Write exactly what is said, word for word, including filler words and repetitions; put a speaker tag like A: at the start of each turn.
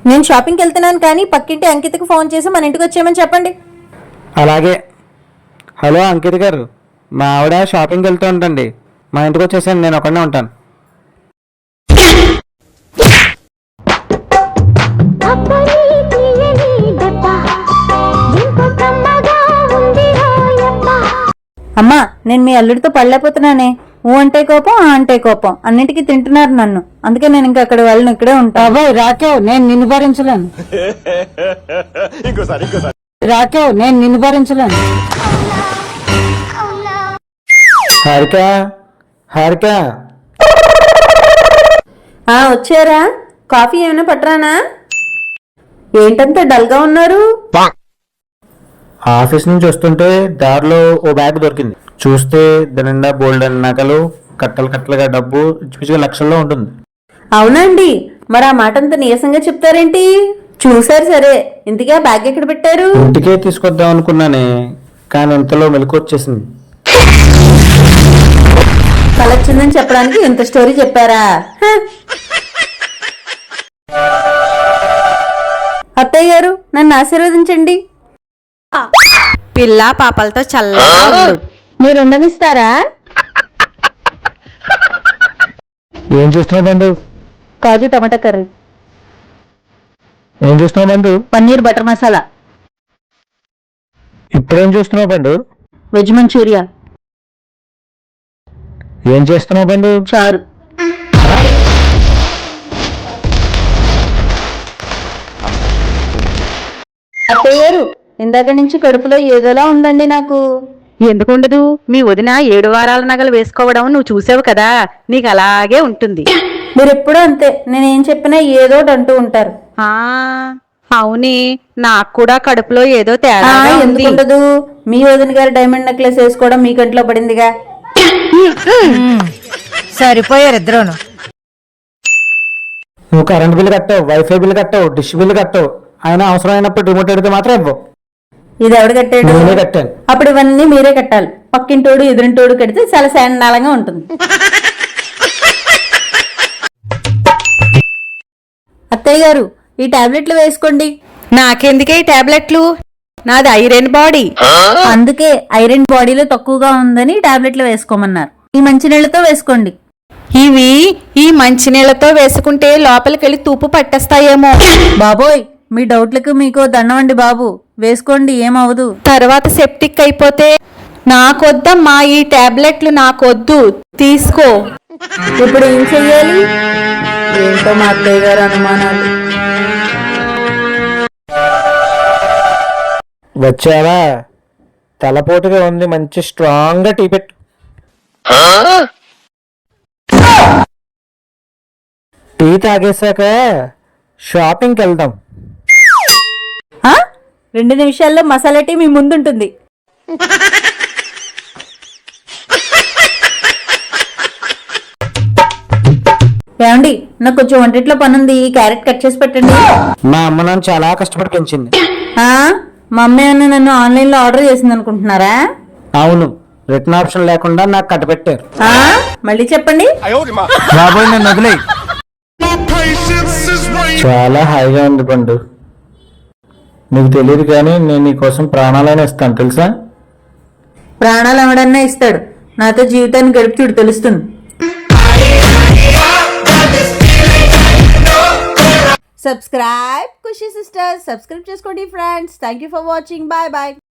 A: నేను షాపింగ్కి వెళ్తున్నాను కానీ పక్కింటి అంకితకి ఫోన్ చేసి మన ఇంటికి వచ్చేయమని చెప్పండి.
B: అలాగే. హలో అంకిత గారు, మా ఆవిడ షాపింగ్కి వెళ్తూ ఉంటుంది, మా ఇంటికి వచ్చేసాను, నేను ఒకనే ఉంటాను.
A: అమ్మా, నేను మీ అల్లుడితో పడలేకపోతున్నానే. ఊ అంటే కోపం, ఆ అంటే కోపం, అన్నిటికీ తింటున్నారు నన్ను. అందుకే నేను ఇంకా అక్కడ వెళ్ళను, ఇక్కడే ఉంటా.
C: బాబాయ్ రాకేవ్, నేను నిన్ను భరించలేను. రాకేవ్, నేను నిన్ను భరించలేను.
B: హారిక, హారిక.
A: ఆ వచ్చారా? కాఫీ ఏమైనా పట్టరానా? ఏంటంత డల్గా ఉన్నారు?
B: ఆఫీస్ నుంచి వస్తుంటే దారిలో ఓ బ్యాగ్ దొరికింది. చూస్తే దాని నిండా బోల్డ్ నగలు, కట్టలు కట్టలుగా డబ్బు, పిచ్చిగా లక్షల్లో ఉంటుంది.
A: అవునండి, మరి ఆ మాట అంత నీరసంగా చెప్తారేంటి? చూసారు సరే, ఇంతకీ ఆ బ్యాగ్ ఎక్కడ పెట్టారు?
B: ఇంటికే తీసుకొద్దాం అనుకున్నానే, కానీ ఇంతలో మెలకు వచ్చేసింది.
A: కలొచ్చిందని చెప్పడానికి ఇంత స్టోరీ చెప్పారా? అత్తయ్య గారు, నన్ను ఆశీర్వదించండి.
D: పిల్ల పాపలతో చల్లగా ఉండు.
A: మీరు ఉండనిస్తారా?
B: ఏం చూస్తున్నావు బంధు?
A: కాజు టమాటా కర్రీ.
B: ఏం చూస్తున్నావు బంధు?
A: పన్నీర్ బటర్ మసాలా.
B: ఇప్పుడేం చూస్తున్నావు బంధు?
A: Veg Manchuria.
B: ఏం చేస్తున్నావు బంధు?
A: చారు. అత్తయ్య గారు, ఇందాక నుంచి కడుపులో ఏదోలా ఉందండి నాకు.
D: ఎందుకుండదు? మీ వదిన ఏడు వారాల నగలు వేసుకోవడం నువ్వు చూసావు కదా, నీకు అలాగే ఉంటుంది.
A: మీరు ఎప్పుడూ అంతే, నేనేం చెప్పినా ఏదోటి అంటూ ఉంటారు.
D: ఆ అవునే, నాకు కూడా కడుపులో ఏదో
A: ఆ,
D: తేడా ఉంది.
A: ఎందుకుండదు? మీ వదిన గారు డైమండ్ నెక్లెస్ వేసుకోవడం మీ కంట్లో పడిందిగా.
C: సరిపోయారు ఇద్దరును.
B: నువ్వు కరెంట్ బిల్లు కట్టావు, వైఫై బిల్లు కట్టావు, డిష్ బిల్లు కట్టావు, ఆయన అవసరమైనప్పుడు రిమోట్ ఎడితే మాత్రం ఇవ్వవు.
A: ఇది ఎవడు కట్టాడు?
B: నేనే కట్టాను.
A: అప్పుడు ఇవన్నీ మీరే కట్టాలి. పక్కింటోడు ఎదురింటోడు కడితే చాలా శాండాలంగా ఉంటుంది. అత్తయ్య గారు, ఈ టాబ్లెట్లు వేసుకోండి.
D: నాకెందుకే ఈ టాబ్లెట్లు? నాది ఐరన్ బాడీ.
A: అందుకే ఐరన్ బాడీలో తక్కువగా ఉందని టాబ్లెట్లు వేసుకోమన్నారు. ఈ మంచినీళ్ళతో వేసుకోండి.
D: ఇవి ఈ మంచినీళ్లతో వేసుకుంటే లోపలికెళ్ళి తూపు పట్టేస్తాయేమో.
A: బాబోయ్, మీ డౌట్లకు మీకు దండవండి బాబు. వేసుకోండి, ఏమవదు.
D: తర్వాత సెప్టిక్ అయిపోతే నాకొద్దమ్మా, ఈ టాబ్లెట్లు నాకొద్దు, తీసుకో.
A: ఇప్పుడు ఏం చెయ్యాలి? ఏంటో మా అత్తయ్య గారు అనుమానాలు.
B: వచ్చావా? తలపోటుగా ఉంది, మంచి స్ట్రాంగ్ గా టీ పెట్టు. టీ తాగేశాక షాపింగ్కి వెళ్దాం.
A: ఆ? రెండు నిమిషాల్లో మసాలా టీ మీ ముందుంటుంది. ఏమండి, నాకు కొంచెం వంటిట్లో పనుంది, క్యారెట్ కట్ చేసి పెట్టండి.
B: మా అమ్మ నన్ను చాలా కష్టపడి పెంచింది.
A: ఆ? మా అమ్మ ఏమన్నా నన్ను ఆన్లైన్ లో ఆర్డర్ చేసింది అనుకుంటున్నారా?
B: అవును, రిటర్న్ ఆప్షన్ లేకుండా నాకు కట్టబెట్టారు.
A: ఆ? మళ్ళీ చెప్పండి.
B: బాబోయ్, నన్ను వదిలేయ్. చాలా హాయిగా ఉంది పండు. నీకు తెలియదు కానీ నేను నీకోసం ప్రాణాలైనా ఇస్తాను, తెలుసా?
A: ప్రాణాలు ఎవడన్నా ఇస్తాడు, నాతో జీవితాన్ని గడిపి చూడు, తెలుస్తుంది. సబ్స్క్రైబ్ ఖుషి సిస్టర్స్, సబ్స్క్రైబ్ చేసుకోండి friends. Thank you for watching. Bye bye.